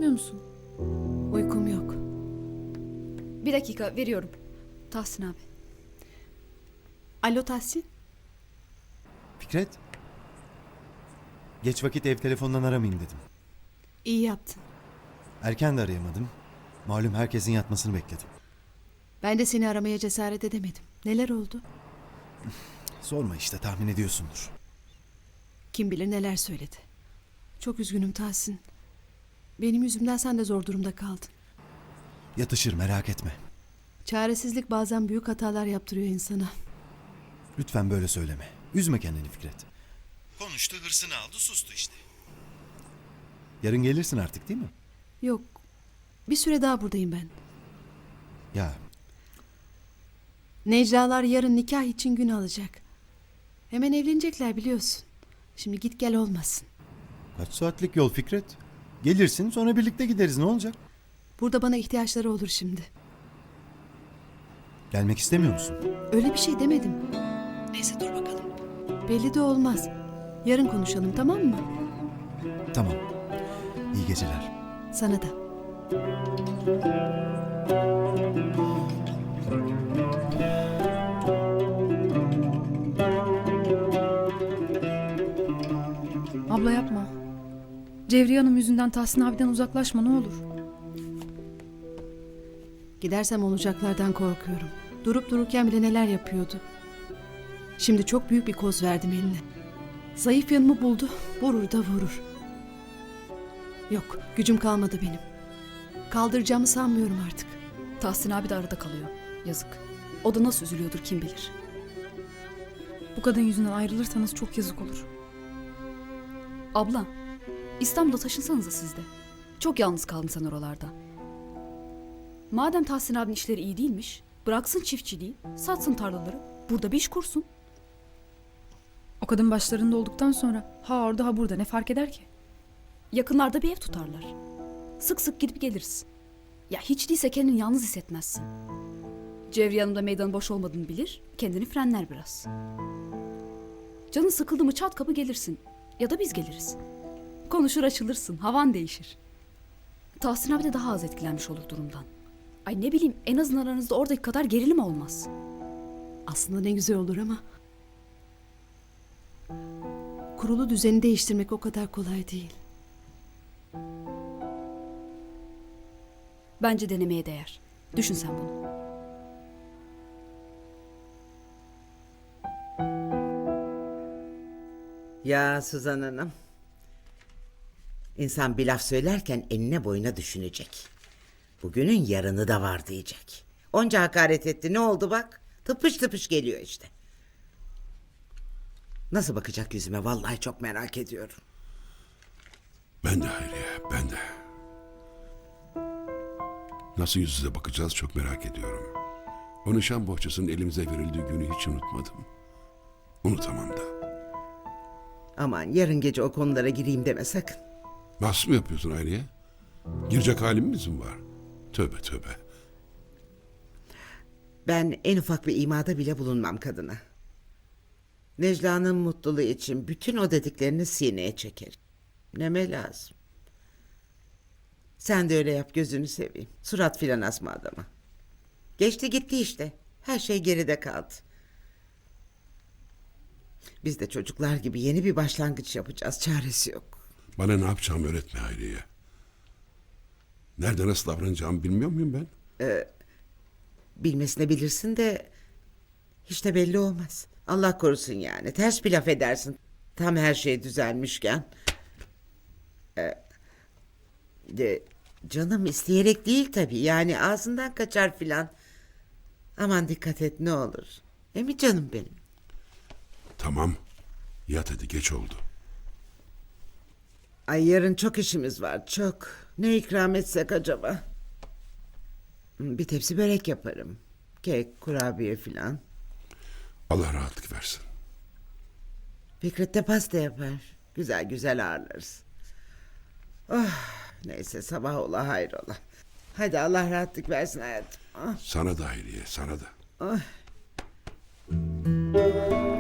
yatmıyor musun? Uykum yok. Bir dakika veriyorum. Tahsin abi. Alo Tahsin. Fikret. Geç vakit ev telefonundan aramayayım dedim. İyi yaptın. Erken de arayamadım. Malum herkesin yatmasını bekledim. Ben de seni aramaya cesaret edemedim. Neler oldu? Sorma işte, tahmin ediyorsundur. Kim bilir neler söyledi. Çok üzgünüm Tahsin. Benim yüzümden sen de zor durumda kaldın. Yatışır, merak etme. Çaresizlik bazen büyük hatalar yaptırıyor insana. Lütfen böyle söyleme. Üzme kendini Fikret. Konuştu, hırsını aldı, sustu işte. Yarın gelirsin artık değil mi? Yok. Bir süre daha buradayım ben. Ya Neclalar yarın nikah için gün alacak. Hemen evlenecekler biliyorsun. Şimdi git gel olmasın. kaç saatlik yol Fikret? Gelirsin, sonra birlikte gideriz, ne olacak? Burada bana ihtiyaçları olur şimdi. Gelmek istemiyor musun? Öyle bir şey demedim. Neyse dur bakalım. Belli de olmaz. Yarın konuşalım, tamam mı? Tamam. İyi geceler. Sana da. Abla yapma. Cevriye Hanım yüzünden Tahsin abiden uzaklaşma ne olur. Gidersem olacaklardan korkuyorum. Durup dururken bile neler yapıyordu. Şimdi çok büyük bir koz verdim eline. Zayıf yanımı buldu, vurur da vurur. Yok, gücüm kalmadı benim. Kaldıracağımı sanmıyorum artık. Tahsin abi de arada kalıyor. Yazık. O da nasıl üzülüyordur kim bilir. Bu kadın yüzünden ayrılırsanız çok yazık olur. Abla, İstanbul'a taşınsanıza siz de. Çok yalnız kaldın sen oralarda. Madem Tahsin abinin işleri iyi değilmiş, bıraksın çiftçiliği, satsın tarlaları, burada bir iş kursun. O kadın başlarında olduktan sonra ha orada ha burada ne fark eder ki? Yakınlarda bir ev tutarlar. Sık sık gidip geliriz. Ya hiç değilse kendini yalnız hissetmezsin. Cevriye Hanım da meydanın boş olmadığını bilir, kendini frenler biraz. Canın sıkıldı mı çat kapı gelirsin. Ya da biz geliriz. Konuşur açılırsın, havan değişir. Tahsin abi de daha az etkilenmiş olur durumdan. Ay ne bileyim, en azından aranızda oradaki kadar gerilim olmaz. Aslında ne güzel olur ama... Kurulu düzeni değiştirmek o kadar kolay değil. Bence denemeye değer. Düşün sen bunu. Ya Suzan Hanım. İnsan bir laf söylerken enine boyuna düşünecek. Bugünün yarını da var diyecek. Onca hakaret etti, ne oldu bak? Tıpış tıpış geliyor işte. Nasıl bakacak yüzüme, vallahi çok merak ediyorum. Ben de Hayriye, ben de. Nasıl yüz yüze bakacağız çok merak ediyorum. O nişan bohçasının elimize verildiği günü hiç unutmadım. Unutamam da. Aman yarın gece o konulara gireyim deme sakın. Nasıl mı yapıyorsun Hayriye? Girecek halimiz mi var? Tövbe tövbe. Ben en ufak bir imada bile bulunmam kadına. Necla'nın mutluluğu için bütün o dediklerini sineye çekerim. Neme lazım. Sen de öyle yap, gözünü seveyim. Surat filan asma adama. Geçti gitti işte. Her şey geride kaldı. Biz de çocuklar gibi yeni bir başlangıç yapacağız. Çaresi yok. Bana ne yapacağımı öğretme Hayriye. Nerede nasıl davranacağımı bilmiyor muyum ben? Bilmesine bilirsin de hiç de belli olmaz. Allah korusun yani. Ters bir laf edersin. Tam her şey düzelmişken. Canım isteyerek değil tabii. Yani ağzından kaçar filan. Aman dikkat et ne olur. Mi canım benim? Tamam. Yat hadi geç oldu. Ay yarın çok işimiz var çok. Ne ikram etsek acaba? Bir tepsi börek yaparım. Kek, kurabiye filan. Allah rahatlık versin. Fikret de pasta yapar. Güzel güzel ağırlarız. Oh, neyse sabah ola hayrola. Hadi Allah rahatlık versin hayatım. Ah. Sana da Hayriye, sana da. Oh.